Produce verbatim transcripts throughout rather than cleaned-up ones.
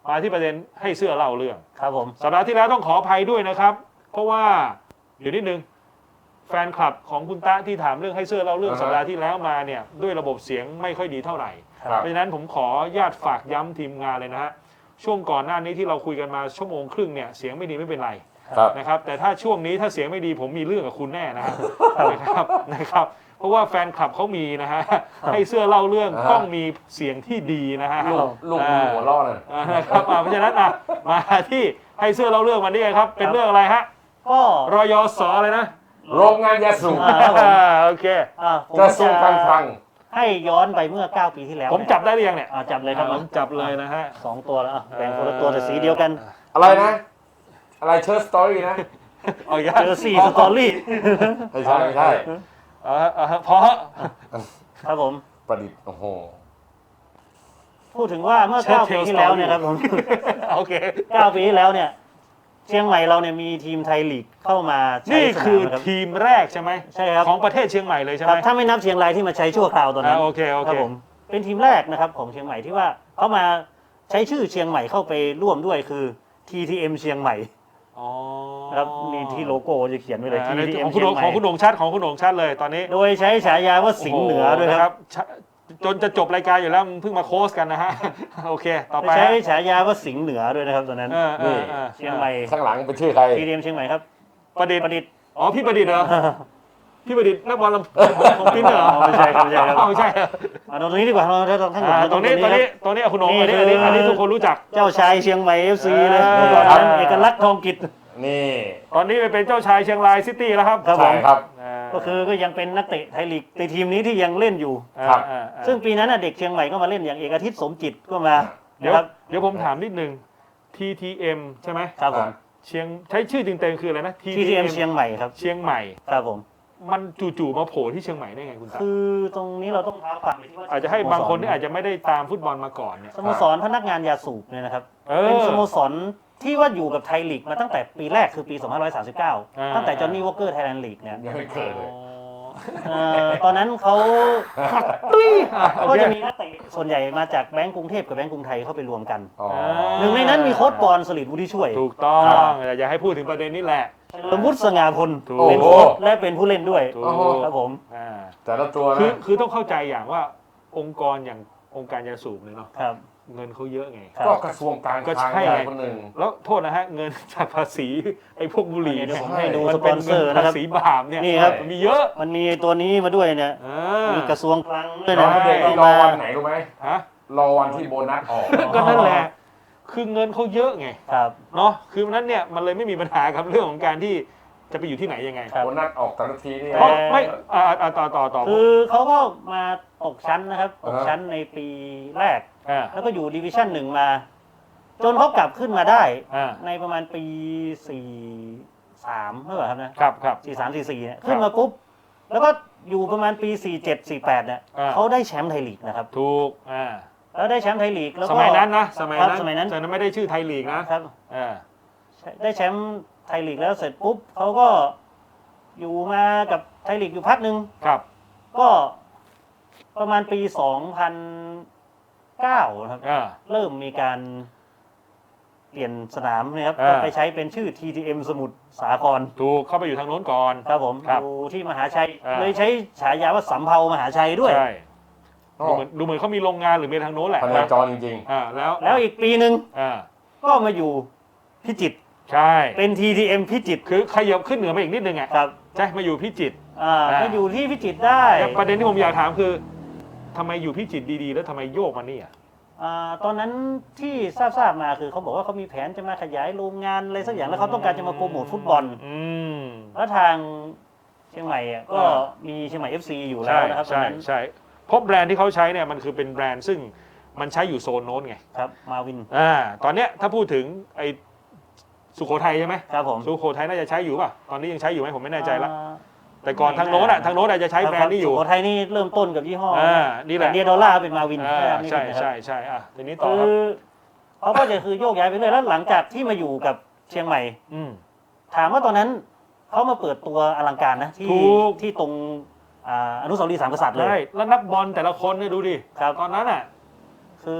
มาที่ประเด็นให้เสื้อเล่าเรื่องครับผมสัปดาห์ที่แล้วต้องขออภัยด้วยนะครับเพราะว่าเดี๋ยวนิดนึงแฟนคลับของคุณตะที่ถามเรื่องให้เสื้อเล่าเรื่องสัปดาห์ที่แล้วมาเนี่ยด้วยระบบเสียงไม่ค่อยดีเท่าไหร่เพราะฉะนั้นผมขอญาตฝากย้ำทีมงานเลยนะฮะช่วงก่อนหน้านี้ที่เราคุยกันมาชั่วโมงครึ่งเนี่ยเสียงไม่ดีไม่เป็นไรนะครับแต่ถ้าช่วงนี้ถ้าเสียงไม่ดีผมมีเรื่องกับคุณแน่นะครับนะครับเพราะว่าแฟนคลับเขามีนะฮะให้เสื้อเล่าเรื่องต้องมีเสียงที่ดีนะฮะลูกหัวล่อเลยนะครับเพราะฉะนั้นอ่ะมาที่ให้เสื้อเล่าเรื่องมานี่ครับเป็นเรื่องอะไรฮะก็รยสอะไรนะโรงงานยาสูบโอเคกระทรวงการคลังให้ย้อนไปเมื่อเก้าปีที่แล้วผมจับได้หรือยังเนี่ยจับเลยครับผมจับเลยนะฮะสองตัวแล้วแบ่งคนละตัวแต่สีเดียวกันอะไรนะอะไรเชิร์สตอรี่นะเจอสี่สตอรี่ไม่ใช่ไม่ใช่พอครับผมประดิษฐ์โอ้โหพูดถึงว่าเมื่อเก้าปีที่แล้วเนี่ยครับผมโอเคเก้าปีที่แล้วเนี่ยเชียงใหม่เราเนี่ยมีทีมไทยลีกเข้ามานี่คือทีมแรกใช่ไหมใช่ครับของประเทศเชียงใหม่เลยใช่ไหมถ้าไม่นับเชียงรายที่มาใช้ชั่วคราวตอนนั้นโอเคโอเคผมเป็นทีมแรกนะครับของเชียงใหม่ที่ว่าเขามาใช้ชื่อเชียงใหม่เข้าไปร่วมด้วยคือ ที ที เอ็ม เชียงใหม่ครับมีที่โลโก้จะเขียนไว้เลย ที ที เอ็มของคุณของคุณโหน่งชัดของคุณโหน่งชัดเลยตอนนี้โดยใช้ฉายาว่าสิงห์เหนือด้วยครับจนจะจบรายการอยู่แล้วเพิ่งมาโค้ชกันนะฮะโอเคต่อไปใช้ฉายาว่าสิงห์เหนือด้วยนะครับตอนนั้นนี่เชียงใหม่ข้างหลังเป็นชื่อใครที ที เอ็ม เชียงใหม่ครับประดิษฐ์ประดิษฐ์อ๋อพี่ประดิษฐ์เหรอพี่ประดิษฐ์นักบอลของปิ้นเหรอไม่ใช่ครับไม่ใช่ครับไม่ใช่มาตรงนี้ดีกว่าเราตรงข้างหลังตรงนี้ตรงนี้ตรงนี้คุณโหน่งอันนี้อันนี้อันนี้ทุกคนรู้จักเจ้าชายเชียงใหม่ เอฟ ซี เลยเอกลักษณ์ทองกิจนี่ตอนนี้ไปเป็นเจ้าชายเชียงรายซิตี้แล้วครับใช่ครับก็คือก็ยังเป็นนักเตะไทยลีกในทีมนี้ที่ยังเล่นอยู่ครับซึ่งปีนั้นเด็กเชียงใหม่ก็มาเล่นอย่างเอกอาทิตย์สมจิตก็มาเดี๋ยวเดี๋ยวผมถามนิดนึง ที ที เอ็ม ใช่ไหมครับผมเชียงใช้ชื่อจริงๆคืออะไรนะที ที เอ็ม เชียงใหม่ครับเชียงใหม่ครับผมมันจู่ๆมาโผล่ที่เชียงใหม่ได้ไงคุณตาคือตรงนี้เราต้องท้าความไปที่ว่าอาจจะให้บางคนที่อาจจะไม่ได้ตามฟุตบอลมาก่อนเนี่ยสโมสรพนักงานยาสูบเนี่ยนะครับเป็นสโมสรที่ว่าอยู่กับไทยลีกมาตั้งแต่ปีแรกคือปีสองพันห้าร้อยสามสิบเก้าตั้งแต่จอห์นนี่วอคเกอร์ไทยแลนด์ลีกเนี่ยยังไม่เกิดเลยตอนนั้นเขาก็จะมีนักเตะส่วนใหญ่มาจากแบงก์กรุงเทพกับแบงก์กรุงไทยเข้าไปรวมกันหนึ่งในนั้นมีโค้ชบอลสลิดวุฒิช่วยถูกต้องอย่าให้พูดถึงประเด็นนี้แหละสมมุติสง่าพลเป็นโค้ชและเป็นผู้เล่นด้วยครับผมแต่ละตัวคือคือต้องเข้าใจอย่างว่าองค์กรอย่างองค์การยาสูบเนี่ยเนาะเงินเขาเยอะไงก็กระทรวงการก็ใช่ไงคนหนึ่งแล้วโทษนะฮะเงินจากภาษีไอ้พวกบุหรี่เนี่ยผมให้ดูสปอนเซอร์นะครับภาษีบาปเนี่ยนี่ครับมีเยอะมันมีตัวนี้มาด้วยเนี่ยมีกระทรวงคลังด้วยนะรอวันไหนรู้ไหมฮะรอวันที่โบนัสออกก็นั่นแหละคือเงินเขาเยอะไงครับเนาะคือนั้นเนี่ยมันเลยไม่มีปัญหาครับเรื่องของการที่จะไปอยู่ที่ไหนยังไงโบนัสออกแต่ละทีนี่ไม่ต่อต่อต่อคือเขาก็มาตกชั้นนะครับตกชั้นในปีแรกแล้วก็อยู่ดิวิชั่นหนึ่งมาจนเขากลับขึ้นมาได้ในประมาณปีสี่สามเมื่อไหร่ครับนะครับครับสี่สามสี่สี่เนี่ยขึ้นมาปุ๊บแล้วก็อยู่ประมาณปีสี่เจ็ดสี่แปดเนี่ยเขาได้แชมป์ไทยลีกนะครับถูกอ่าแล้วได้แชมป์ไทยลีกแล้วก็สมัยนั้นนะสมัยนั้นสมัยนั้นแต่นั้นไม่ได้ชื่อไทยลีกนะครับอ่าได้แชมป์ไทยลีกแล้วเสร็จปุ๊บเขาก็อยู่มากับไทยลีกอยู่พักหนึ่งครับก็ประมาณปีสองพันเก้าครับเริ่มมีการเปลี่ยนสนามนะครับไปใช้เป็นชื่อ ที ที เอ็ม สมุทรสาครถูกเข้าไปอยู่ทางโน้นก่อนครับผมอยู่ที่มหาชัยเลยใช้ฉายาว่าสำเภามหาชัยด้วยใช่ดูเหมือนดูเหมือนเขามีโรงงานหรือมีทางโน้นแหละพนักจรจริงๆอ่าแล้วแล้วอีกปีหนึ่งก็มาอยู่พิจิตรใช่เป็น ที ที เอ็ม พิจิตรคือขยับขึ้นเหนือมาอีกนิดนึงไงครับใช่มาอยู่พิจิตรอ่ามาอยู่ที่พิจิตรได้แต่ประเด็นที่ผมอยากถามคือทำไมอยู่พิจิตรดีๆแล้วทำไมโยกมานี่อ่ะตอนนั้นที่ทราบๆมาคือเขาบอกว่าเขามีแผนจะมาขยายโรงงานอะไรสักอย่างแล้วเขาต้องการจะมาโปรโมทฟุตบอลแล้วทางเชียงใหม่ก็มีเชียงใหม่ เอฟ ซี อยู่แล้วนะครับใช่ใช่เพราะแบรนด์ที่เขาใช้เนี่ยมันคือเป็นแบรนด์ซึ่งมันใช้อยู่โซนโน้นไงครับมาวินอ่าตอนเนี้ยถ้าพูดถึงไอสุโขทัยใช่ไหมครับผมสุโขทัยน่าจะใช้อยู่ป่ะตอนนี้ยังใช้อยู่ไหมผมไม่แน่ใจละแต่ก่อนทางโน้นอ่ะทางโน้นอาจจะใช้แบรนด์นี้อยู่สุโขทัยนี่เริ่มต้นกับยี่ห้ออ่านี่แหละเดียดอลลาร์เป็นมาวินใช่ใช่ใช่อ่ะทีนี้ต่อครับเขาก็จะคือโยกย้ายไปเรื่อยแล้วหลังจากที่มาอยู่กับเชียงใหม่ถามว่าตอนนั้นเขามาเปิดตัวอลังการนะที่ที่ตรงอนุสาวรีย์สามกษัตริย์เลยแล้วนักบอลแต่ละคนเนี่ยดูดิตอนนั้นอ่ะคือ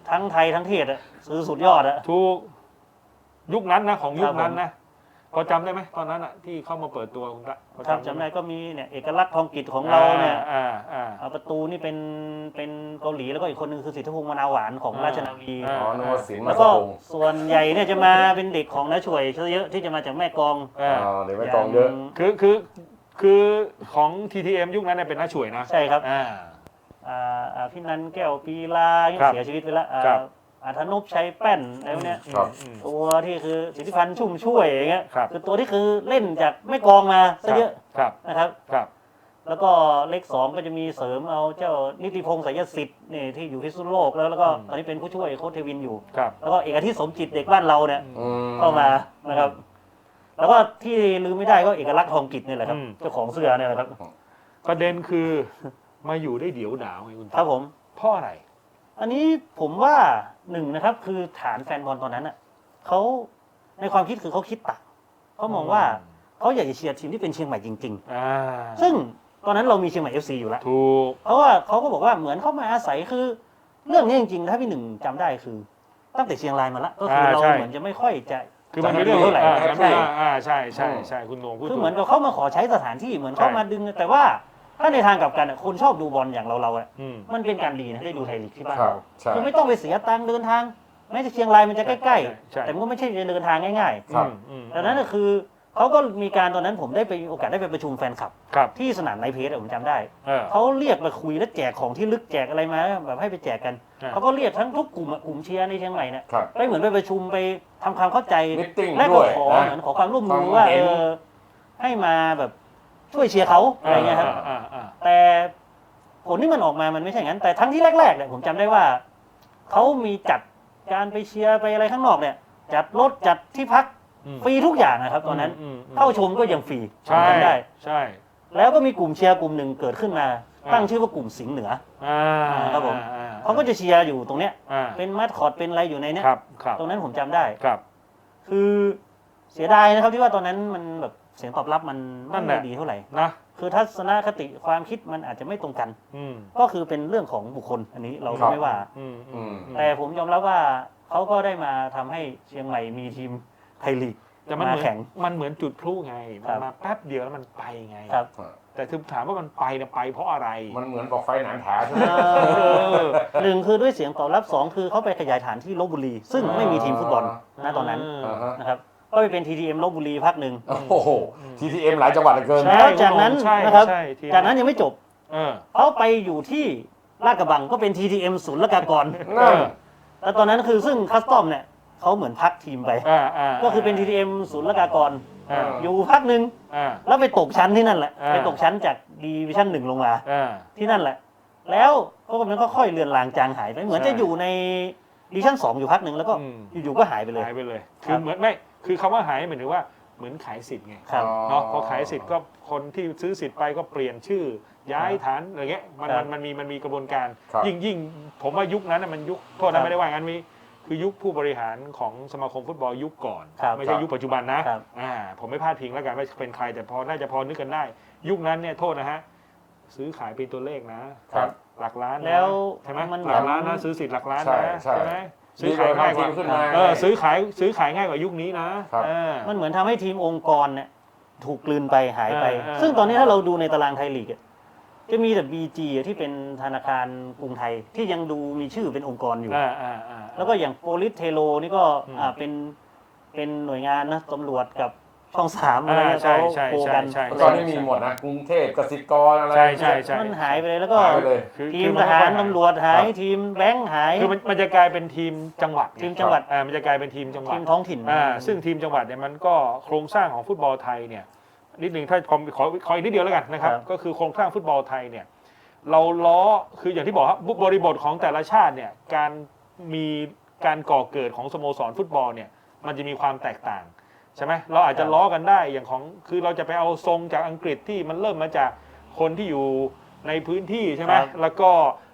ทั้งไทยทั้งเทศอะซื้อสุดยอดอะถูกยุคนั้นนะของยุคนั้นครับผมนะพอจำได้ไหมตอนนั้นอะที่เข้ามาเปิดตัวคุณตะพอครับจำได้ก็มีเนี่ยเอกลักษณ์ทองกิจของเราเนี่ยอ่าอ่าเอาประตูนี่เป็นเป็นเกาหลีแล้วก็อีกคนนึงคือสิทธิพงษ์มะนาวหวานของราชนาวีอ่าอ๋อนึกว่าสินแล้มาว สก็พงษ์ส่วนใหญ่เนี่ยจะมาเป็นเด็กของน้าช่วยเยอะที่จะมาจากแม่กลองอ่าอ๋อเดี๋ยวไม่กองเยอะางคือคือคือของ ที ที เอ็ม ยุคนั้นเนี่ยเป็นน้าช่วยนะใช่ครับอ่าอ่าอ่าพี่นันแก้วปีลาครับเสียชีวิตไปแล้วอ่าครับอาธนพชัยแป้นอะไรพวกเนี้ยครับอืมตัวที่คือสิทธิพันธ์ชุ่มช่วยอย่างเงี้ยครับคือตัวที่คือเล่นจากแม่กลองมาซะเยอะครับนะครับครับแล้วก็เลขสองก็จะมีเสริมเอาเจ้านิติพงษ์สายสิทธิ์นี่ที่อยู่พิษณุโลกแล้วแล้วก็อืมตอนนี้เป็นผู้ช่วยโค้ชเทวินอยู่ครับแล้วก็เอกอาทิตย์สมจิตเด็กบ้านเราเนี่ยอืมเข้ามานะครับ แล้วก็ที่ลืมไม่ได้ก็เอกลักษณ์ทองกิจนี่แหละครับอืมเจ้าของเสื้อเนี่ยแหละครับประเด็นคือมาอยู่ได้เดี๋ยวดาวไงคุณครับผมเพราะอะไรอันนี้ผมว่าหนึ่งนะครับคือฐานแฟนบอลตอนนั้นอ่ะเขาในความคิดคือเขาคิดต่างเขามองว่าเขาอยากจะเชียร์ทีมที่เป็นเชียงใหม่จริงอ่าๆ ซึ่งตอนนั้นเรามีเชียงใหม่ เอฟ ซี อยู่แล้วถูกเพราะว่าเขาก็บอกว่าเหมือนเขามาอาศัยคือ เรื่องนี้จริงๆถ้าพี่หนึ่งจำได้คือ ตั้งแต่เชียงรายมาละก็คือเราเหมือนจะไม่ค่อยจะคือมันมีเรื่องเท่าไหร่อ่าใช่อ่าใช่ใช่ใช่คุณโหนงพูดคือถูกเหมือนกับเขามาขอใช้สถานที่เหมือนเขาใช่มาดึง แต่ว่าถ้าในทางกลับกันอะคนชอบดูบอลอย่างเราเราๆอะอืมมันเป็นการดีนะได้ดูไทยลีกที่บ้านครับเราใช่คือไม่ต้องไปเสียตังค์เดินทางแม้จะเชียงรายมันจะใกล้ใช่ๆ แต่มันก็ไม่ใช่จะเดินทางง่ายครับอืมอืมๆดังนั้นก็คือเขาก็มีการตอนนั้นผมได้ไปโอกาสได้ไปประชุมแฟนคลับครับที่สนามไนท์เพจอะผมจำได้เออเขาเรียกมาคุยและแจกของที่ลึกแจกอะไรมาแบบให้ไปแจกกันอ่าเขาก็เรียกทั้งทุกกลุ่มอะกลุ่มเชียร์ในเชียงใหม่เนี่ยครับไปเหมือนไปประชุมไปทำความเข้าใจ Meeting และด้ก็วยขอนะเหมือนขอความร่วมมือความว่าเห็เอน อให้มาแบบช่วยเชียร์เขาอะไรเงี้ยครับอ่าอ่าแต่ผลที่มันออกมามันไม่ใช่อย่างนั้น แต่ทั้งที่แรกๆเนี่ยผมจำได้ว่าเขามีจัดการไปเชียร์ไปอะไรข้างนอกเนี่ย จัดรถจัดที่พักอืมฟรีทุกอย่างนะครับตอนนั้นมมอืมเข้าชมก็ยังฟรีใช่จำได้ใช่แล้วก็มีกลุ่มเชียร์กลุ่มหนึ่งเกิดขึ้นมาอ่าตั้งชื่อว่ากลุ่มสิงห์เหนืออ่าครับผมอ่เขาก็จะเชียร์อยู่ตรงเนี้ยอ่าเป็นมัดคอร์ดเป็นอะไรอยู่ในเนี้ยครับครับตรงนั้นผมจำได้ครับคือเสียดายนะครับที่ว่าตอนนั้นมันแบบเสียงตอบรับมันนั่ไม่นแหละดีเท่าไหร่นะคือทัศนคติความคิดมันอาจจะไม่ตรงกันอืมก็คือเป็นเรื่องของบุคคลอันนี้เราครัก็บไม่ว่าอืมอืมแต่ผมยอมรับว่าเขาก็ได้มาทำให้เชียงใหม่มีทีมไทยลีกแต่มันเหมืมาอนแข่งมันเหมือนจุดพลุไงครัมันบมาแป๊บเดียวแล้วมันไปไงครับแต่ถึงถามว่ามันไปเนี่ยไปเพราะอะไรมันเหมือนบอกไฟหนานผาใช่ไหมเอ่อหนึ่งคือด้วยเสียงตอบรับสองคือเขาไปขยายฐานที่ลบบุรี ซึ่งไม่มีทีมฟุตบอลณตอนนั้นอ่าฮะนะครับก็ไปเป็น ที ที เอ็ม ลบบุรีพักหนึ่งโอ้โห ที ที เอ็ม หลายจังหวัดเหลือเกินใช่ แล้วจากนั้นใช่นะครับใช่ทีจากนั้นยังไม่จบเออเขาไปอยู่ที่ลาดกระบังก็เป็น ที ที เอ็ม ศูนย์ละกากรนั่นแล้วตอนนั้นคือซึ่งคัสตอมเนี่ยเขาเหมือนพักทีมไปอ่าอ่าก็คือเป็น ที ที เอ็ม ศูนย์ละกากรอ่าอยู่พักหนึ่งอ่าแล้วไปตกชั้นที่นั่นแหละอ่าไปตกชั้นจากดีวิชั่นหนึ่งลงมาอ่าที่นั่นแหละ แล้วก็กำลังก็ค่อยเลือนลางจางหายไป เหมือนใช่จะอยู่ในดิวิชั่นสองอยู่พักหนึ่งแล้วก็อืมอยู่ๆก็หายไปเลยหายไปเลยครัคือบ เหมือนไม่ คือคำว่าหายหมายถึงว่าเหมือนขายสิทธิ์ไงครับเนาะพอขายสิทธิ์ก็คนที่ซื้อสิทธิ์ไปก็เปลี่ยนชื่อ ย้ายฐานอะไรเงี้ยมันครัมับนมันมีมันมีกระบวนการครับยิ่งยิ่งผมว่ายุคนั้นน่ะมันยุคโทษครันะบไม่ได้ว่างั้นมีคือยุคผู้บริหารของสมาคมฟุตบอลยุคก่อนครับไม่ใช่ยุคปัจจุบันนะครับ อ่าผมไม่พลาดพิงแล้วกันว่าเป็นใครแต่พอน่าจะพอนึกกันได้ ยุคนั้นเนี่ยโทษนะฮะซื้อขายเป็นตัวเลขนะครับ หลักล้านนะแล้วใช่ไหมมันหลักล้านนะซื้อสิทธิ์หลักล้านใช่นะใช่ไหมซื้อขายมีง่ายทีกมว่าขึ้นมาเออซื้อขายซื้อขายง่ายกว่ายุคนี้นะครับ เออมันเหมือนทำให้ทีมองค์กรเนี่ยถูกกลืนไปหายไปเออเออซึ่งตอนนี้ถ้าเราดูในตารางไทยลีกอะจะมีแต่ บี จี ที่เป็นธนาคารกรุงไทยที่ยังดูมีชื่อเป็นองค์กรอยู่อ่าอ่าอ่าแล้วก็อย่างโปลิสเทโลนี่ก็อืมอ่าเป็นเป็นหน่วยงานนะตำรวจกับช่องสามอะไรอ่าเงี้ยใช่เขาใช่โคกันใช่เมื่อใช่ก่อนนี่มีหมดนะ กรุงเทพกสิกรอะไรใช่ใช่ใช่มันหายไปเลยแล้วก็หายไปเลยคือทีคืมอทนหารไม่ค่อยตำรวจหายครับทีมแบงค์หายคือมันมันจะกลายเป็นทีมจังหวัดไทีมจังหวัดอ่ามันจะกลายเป็นทีมจังหวัทีดมท้องถิ่นอ่าซึ่งทีมจังหวัดเนี่ยมันก็โครงสร้างของฟุตบอลไทยเนี่ยนิดหนึ่งถ้าขอขอขออีกนิดเดียวแล้วกันนะครับครับก็คือโครงสร้างฟุตบอลไทยเนี่ยเราล้อคืออย่างที่บอกครับบริบทของแต่ละชาติเนี่ยการมีการก่อเกิดของสโมสรฟุตบอลเนี่ยมันจะมีความแตกต่างใช่ไหมเราอาจจะล้อกันได้อย่างของคือเราจะไปเอาทรงจากอังกฤษที่มันเริ่มมาจากคนที่อยู่ในพื้นที่ใช่ไหมครับแล้วก็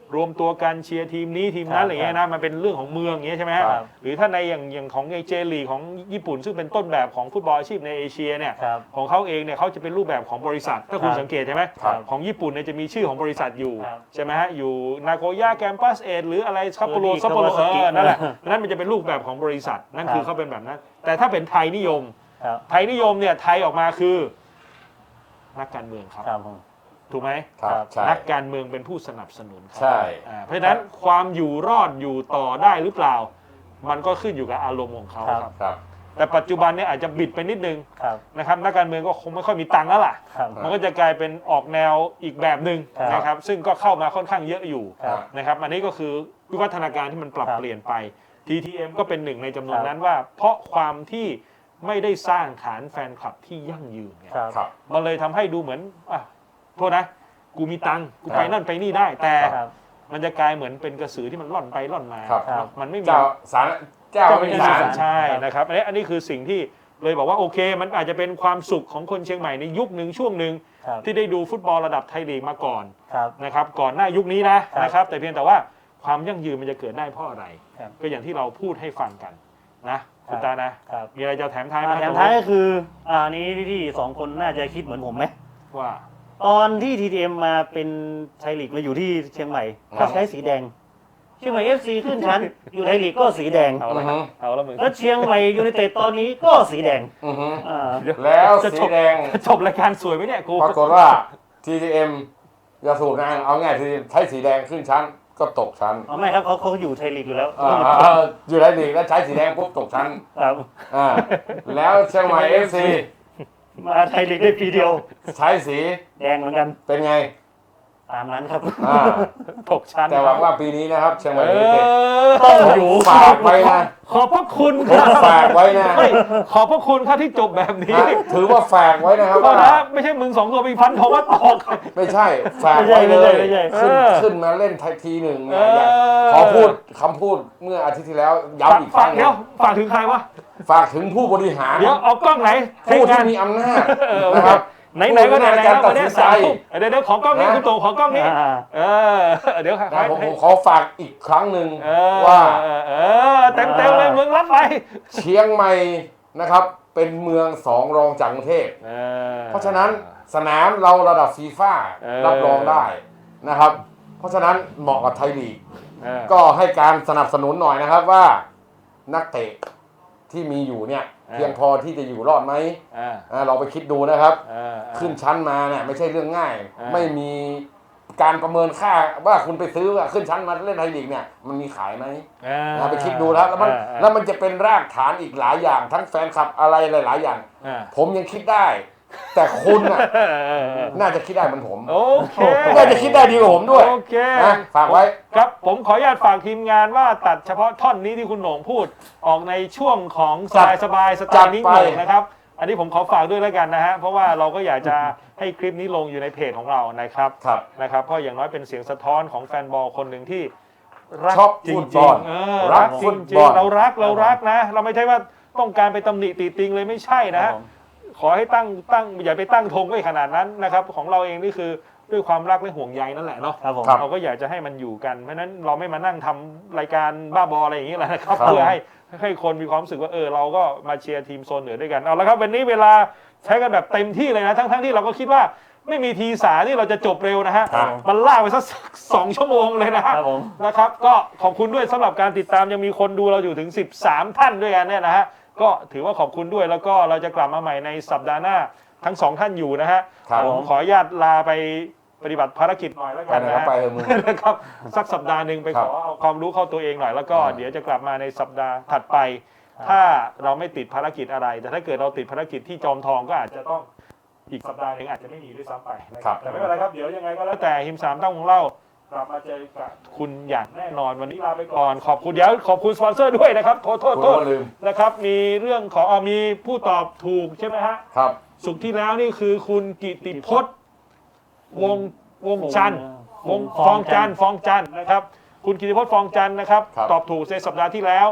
รวมตัวกันเชียร์ทีมนี้ทีมนั้นอะไรเงี้ยนะมันเป็นเรื่องของเมืองอย่างเงี้ยใช่ไหมฮะครับหรือถ้าในอย่างอย่างของเจลีของญี่ปุ่นซึ่งเป็นต้นแบบของฟุตบอลอาชีพในเอเชียเนี่ยครับของเขาเองเนี่ยเขาจะเป็นรูปแบบของบริษัทถ้าคุณครับสังเกตใช่ไหมครับของญี่ปุ่นเนี่ยจะมีชื่อของบริษัทอยู่ครับใช่ไหมฮะอยู่นาโกย่าแกมปัสเอหรืออะไรซัปโปโรเออนี่ซัปโปโร Kawasaki เออนั่นแหละนั่นมันจะเป็นรูปแบบของบริษัทนั่นคือครับเขาเป็นแบบนั้น แต่ถ้าเป็นไทยนิยมครับไทยนิยมเนี่ยไทยออกมาคือนักการเมืองครับครับผมถูกไหมครับใช่นักการเมืองเป็นผู้สนับสนุนครับใช่อ่าเพราะฉะนั้นความอยู่รอดอยู่ต่อได้หรือเปล่า มันก็ขึ้นอยู่กับอารมณ์ของเขาครับครับครับแต่ปัจจุบันเนี่ยอาจจะบิดไปนิดนึงครับนะครับนักการเมืองก็คงไม่ค่อยมีตังค์แล้วล่ะครับมันก็จะกลายเป็นออกแนวอีกแบบหนึ่งครับนะครับซึ่งก็เข้ามาค่อนข้างเยอะอยู่ครับนะครับอันนี้ก็คือวิวัฒนาการที่มันปรับครับเปลี่ยนไป ที ที เอ็ม ก็เป็นหนึ่งในจำนวนครับนั้นว่า เพราะความที่ไม่ได้สร้างฐานแฟนคลับที่ยั่งยืนไงครับครับมันเลยทำให้ดูเหมือนอ่ะโทษนะ กูมีตังค์กูไปครับนั่นไปนี่ได้ แต่ครับมันจะกลายเหมือนเป็นกระสือที่มันล่อนไปล่อนมาครับครับมันไม่มีเจ้าสารเจ้าเจ้าไม่ไม่มีมีสาสาร รใช่ครับนะครับอันนี้อันนี้คือสิ่งที่เลยบอกว่าโอเค มันอาจจะเป็นความสุขของคนเชียงใหม่ในยุคหนึ่งช่วงหนึ่งครับที่ได้ดูฟุตบอลระดับไทยลีกมาก่อนครับนะครับก่อนหน้ายุคนี้นะครับ นะครับแต่เพียงแต่ว่าความยั่งยืนมันจะเกิดได้เพราะอะไรครับก็อย่างที่เราพูดให้ฟังกันนะคุณตานะครับมีอะไรจะแถมท้ายไหมอ่าแถมท้ายก็คืออ่านี้พี่ๆสองคนน่าจะคิดเหมือนผมไหมว่าตอนที่ ที ที เอ็ม มาเป็นไทยลีกมาอยู่ที่เชียงใหม่ครัก็บใช้สีแดง เชียงใหม่ เอฟ ซี ขึ้นชั้น อยู่ไทยลีกก็สีแดงเอาละอือฮึเอาละมึงแล้วเชียงใหม่ยูไนเต็ดตอนนี้ก็สีแดงอือฮึอ่าแล้วจะสีจบแดงจะจบรายการสวยไหมเนี่ยกูปรากฏว่า ที ที เอ็ม จะสูบงานเอาง่ายทีใช้สีแดงขึ้นชั้นก็ตกชั้นอ๋อไม่ครับเขาเขาอยู่ไทยลีกอยู่แล้วอ่าอ่าอ่าอยู่ในลีกแล้วใช้สีแดงปุ๊บตกชั้นครับอ่าแล้วเชียงใหม่ เอฟ ซีมาไทยลีกได้ปีเดียวใช้สีแดงเหมือนกันเป็นไงตามนั้นครับอ่าตกชั้นแต่หวังว่าปีนี้นะครับเชียงใหม่เอยูไนเต็ดอต้องอยู่ฝากไว้นะขอบพระคุณผคมรับฝากไว้นะไม่ขอบพระคุณครับที่จบแบบนี้ฮะถือว่าฝากไว้นะครับก็ว่านะไม่ใช่มึงสองตัวมีพันธงว่าตกไม่ใช่ฝากไว้เลยไม่ใช่ไม่ใช่ขึ้นเออขึ้นมาเล่นทีหนึ่งเอเนี่ยอขอพูดคำพูดเมื่ออาทิตย์ที่แล้วย้ำอีกคฝารั้กงเดี๋ยวฝากถึงใครวะฝากถึงผู้บริหารเดี๋ยวเอากล้องไหนผู้เทคที่งานมีอำนาจเออนะครับไหนไหนๆก็ไหนๆผู้แล้วตัวัดนสินี้นใจสามทุ่มเดี๋ยวเดี๋ยวขอกล้องนี้นะคุณโตขอกล้องนี้อ่าเออเดี๋ยวนะผมผมขอฝากอีกครั้งหนึ่งเออว่าเออเออเต็มเต็มๆเลยมึงรับไปเชียงใหม่นะครับ เป็นเมืองสองรองจากกรุงเทพเออเพราะฉะนั้นสนามเราระดับฟีฟ่าเออรับรองได้นะครับ เพราะฉะนั้นเหมาะกับไทยลีกเออก็ให้การสนับสนุนหน่อยนะครับว่านักเตะที่มีอยู่เนี่ยเออเพียงพอที่จะอยู่รอดไหมเอออ่าเราไปคิดดูนะครับเออเออขึ้นชั้นมาเนี่ยไม่ใช่เรื่องง่ายเออไม่มีการประเมินค่าว่าคุณไปซื้อว่าขึ้นชั้นมาเล่นไทยลีกเนี่ยมันมีขายไหมเออนะไปคิดดูแล้วแล้วมันเออเออแล้วมันจะเป็นรากฐานอีกหลายอย่าง ทั้งแฟนคลับอะไรหลาย ๆ อย่างเออผมยังคิดได้ แต่คุณน่ะเออเออเออน่าจะคิดได้เหมือนผมโอเคน่าจะคิดได้ดีกว่าผมด้วยโอเคนะฝากไว้ครับผมขออนุญาตฝากทีมงานว่าตัดเฉพาะท่อนนี้ที่คุณโหน่งพูดออกในช่วงของสจับายดสบายสไตจัดล์นิ้งไปโหน่งนะครับ อันนี้ผมขอฝากด้วยแล้วกันนะฮะเพราะว่าเราก็อยากจะให้คลิปนี้ลงอยู่ในเพจของเรานะครับครับนะครับเพราะอย่างน้อยเป็นเสียงสะท้อนของแฟนบอลคนหนึ่งที่รักชอบจริฟุงตบอลๆเออรัรักกจฟุตริบงอลๆเรารักเรารักนะ เราไม่ใช่ว่าต้องการไปตำหนิตีติงเลยไม่ใช่นะฮะ ขอให้ตั้งตั้งอย่าไปตั้งธงไว้ขนาดนั้นนะครับของเราเองนี่คือด้วยความรักและห่วงใยนั่นแหละเนาะครับผมครับเราก็อยากจะให้มันอยู่กันเพราะฉะนั้นเราไม่มานั่งทำรายการบ้าบออะไรอย่างนี้แหละนะครับครับเพื่อให้ให้คนมีความรู้สึกว่าเออเราก็มาเชียร์ทีมโซนเหนือด้วยกันเอาละครับวันนี้เวลาใช้กันแบบเต็มที่เลยนะทั้งทั้งที่เราก็คิดว่าไม่มีทีสาที่เราจะจบเร็วนะฮะครับมันล่ากไปสักสองชั่วโมงเลยนะฮะครับผมนะครับก็ขอบคุณด้วยสำหรับการติดตามยังมีคนดูเราอยู่ถึงสิบสามท่านด้วยกันเนี่ยนะฮะก็ถือว่าขอบคุณด้วยแล้วก็เราจะกลับมาใหม่ในสัปดาห์หน้าทั้งสองท่านอยู่นะฮะครับผมขออนุญาตลาไปปฏิบัติภารกิจหน่อยแล้วไปกันไหนนะก็ฮะไปเถอะมึงนะครับสักสัปดาห์หนึ่งไปครัขบอเอาความรู้เข้าตัวเองหน่อยแล้วก็อ่าเดี๋ยวจะกลับมาในสัปดาห์ถัดไป ถ้าเราไม่ติดภารกิจอะไร แต่ถ้าเกิดเราติดภารกิจที่จอมทองก็อาจจะต้องอีกสัปดาห์หนึ่งอาจจะไม่มีด้วยซ้ำไปนะครับแต่ไม่เป็นไรครับเดี๋ยวยังไงก็แล้วแต่หิมสามต้องของเรากลับมาเจอกับคุณอย่างแน่นอนวันนี้ลาไปก่อนขอบคุณเดี๋ยวขอบคุณสปอนเซอร์ด้วยนะครับโทษโทษคุณโทษก็ลืมนะครับมีเรื่องของเอามีผู้ตอบถูกใช่ไหมฮะครับสุขที่แล้วนี่คือคุณกิติพจน์วงวงจันทร์วงฟองจันทร์ฟองจันทร์นะครับ คุณกิติพจน์ฟองจันทร์นะครับครับตอบถูกในสัปดาห์ที่แล้ว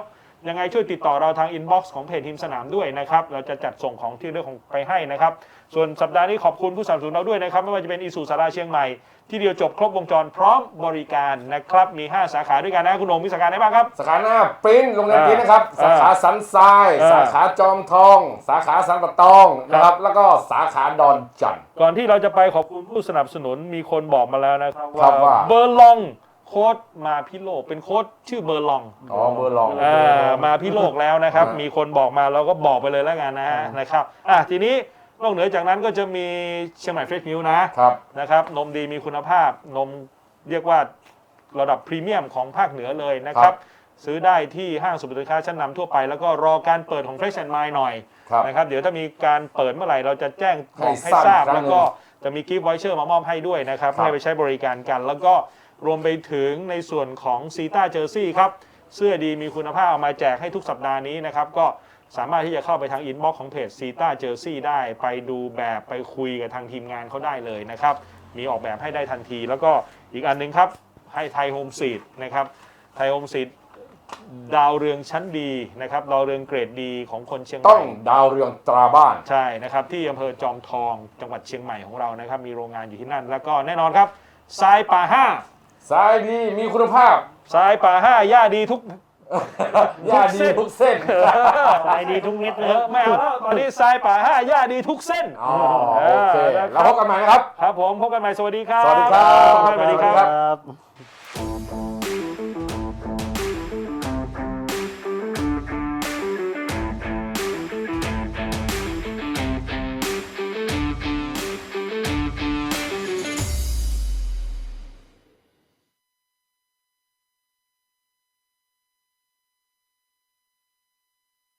ยังไงช่วยติดต่อเราทางอินบ็อกซ์ของเพจทีมสนามด้วยนะครับเราจะจัดส่งของที่เรื่องของไปให้นะครับส่วนสัปดาห์นี้ขอบคุณผู้สนับสนุนเราด้วยนะครับไม่ว่าจะเป็นอีซูสาราเชียงใหม่ที่เดียวจบครบวงจรพร้อมบริการนะครับมีห้าสาขาด้วยกันนะคุณโหน่งมีสาขาไหนบ้างครับสาขาหน้าปริ้นโรงเรียนปริ้นนะครับอ่าสาขาสันทรายอ่าสาขาจอมทอง สาขาสันปะตองนะครับแล้วก็สาขาดอนจันทร์ก่อนที่เราจะไปขอบคุณผู้สนับสนุนมีคนบอกมาแล้วนะครับครับว่าเบอร์ลองโค้ดมาพิโลกเป็นโค้ดชื่อเบอร์ลองอ๋อเบอร์ลองอ่ามาพิโลกแล้วนะครับอ่ามีมีคนบอกมาเราก็บอกไปเลยแล้วกันนะนะครับอ่ะทีนี้นอกเหนือจากนั้นก็จะมีเชียงใหม่เฟรชมิลนะครับ นะครับนมดีมีคุณภาพนมเรียกว่าระดับพรีเมียมของภาคเหนือเลยนะครับซื้อได้ที่ห้างสรรพสินค้าชั้นนำทั่วไปแล้วก็รอการเปิดของ Fresh and Mind หน่อยครับนะครับเดี๋ยวถ้ามีการเปิดเมื่อไหร่เราจะแจ้งบอกให้ให้ททราราบบ อีกครั้แล้วงหนึ่งก็จะมีกิฟต์วอยเชอร์มามอบให้ด้วยนะครับครับให้ไปใช้บริการกัน แล้วก็รวมไปถึงในส่วนของซีต้าเจอร์ซี่ครับเสื้อดีมีคุณภาพเอามาแจกให้ทุกสัปดาห์นี้นะครับก็สามารถที่จะเข้าไปทางอินบ็อกซ์ของเพจซีต้าเจอร์ซี่ได้ไปดูแบบไปคุยกับทางทีมงานเขาได้เลยนะครับมีออกแบบให้ได้ทันที แล้วก็อีกอันหนึงครับให้ไทยโฮมซีดนะครับไทยโฮมซีดดาวเรืองชั้นดีนะครับดาวเรืองเกรดดีของคนเชียงใหต้องม่ดาวเรืองตราบ้านใช่นะครับที่อำเภอจอมทองจังหวัดเชียงใหม่ของเรานะครับมีโรงงานอยู่ที่นั่น แล้วก็แน่นอนครับทรายป่าห้าสายดีมีคุณภาพทรายป่าห้าหญ้าดีทุกยาดีทุกเส้นขายดีทุกเม็ดเอนะคอรับไม่เอาแล้วตอนนี้ทรายป่าห้าหญ้าดีทุกเส้นอ๋อโอเคเออนะครับแล้วพบกันใหม่นะครับครับผมพบกันใหม่สวัสดีครับสวัสดีครับสวัสดีคสวัสดีครัรับครับ